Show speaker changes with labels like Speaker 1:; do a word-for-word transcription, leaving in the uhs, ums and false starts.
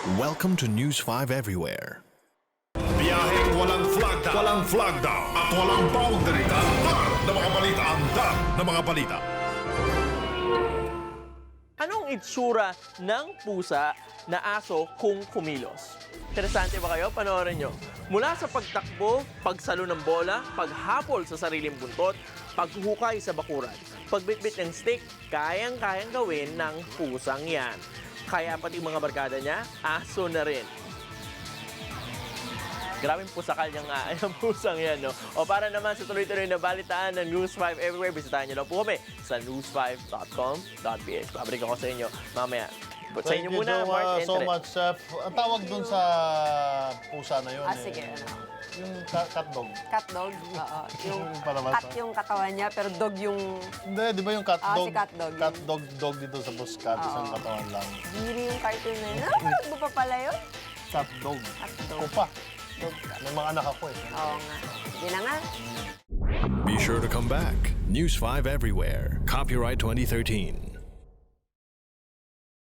Speaker 1: Welcome to News five Everywhere.
Speaker 2: Biyaheng walang flagda, walang flagda at walang boundary. Andar na mga balita, andar na mga balita.
Speaker 3: Anong itsura ng pusa na aso kung kumilos? Interesante ba kayo? Panoorin nyo. Mula sa pagtakbo, pagsalo ng bola, paghapol sa sariling buntot, paghukay sa bakuran, pagbitbit ng stick, kayang-kayang gawin ng pusang yan. Kaya pati mga barkada niya, aso na rin. Grabing pusakal niyang nga ang pusang yan, no? O para naman sa tuloy-tuloy na balitaan ng News five Everywhere, bisitahin niyo lang po kami sa news five dot com dot p h. Pabalik ako sa inyo mamaya. But sa inyo
Speaker 4: Thank you
Speaker 3: muna,
Speaker 4: so,
Speaker 3: Mark
Speaker 4: uh, so
Speaker 3: Entre.
Speaker 4: much, Chef. Ang tawag dun sa pusa na yun.
Speaker 5: Ah,
Speaker 4: eh,
Speaker 5: sige, ano?
Speaker 4: Yung cat, cat dog.
Speaker 5: Cat dog? Oo. Yung
Speaker 4: Yung palabas,
Speaker 5: cat
Speaker 4: ah.
Speaker 5: yung katawan niya, pero dog yung...
Speaker 4: Hindi, di ba yung cat
Speaker 5: Ah,
Speaker 4: dog?
Speaker 5: si cat dog.
Speaker 4: Cat dog, dog dito sa Buscat,
Speaker 5: Oo.
Speaker 4: isang katawan lang.
Speaker 5: Giri yung cartoon na yun. Napanood mo pa pala yun?
Speaker 4: Cat dog.
Speaker 5: Cat dog.
Speaker 4: Ako pa.
Speaker 5: Dog ka.
Speaker 4: May mga anak ako eh.
Speaker 5: Oo nga. Sige na nga.
Speaker 1: Be sure to come back. News five Everywhere. Copyright twenty thirteen.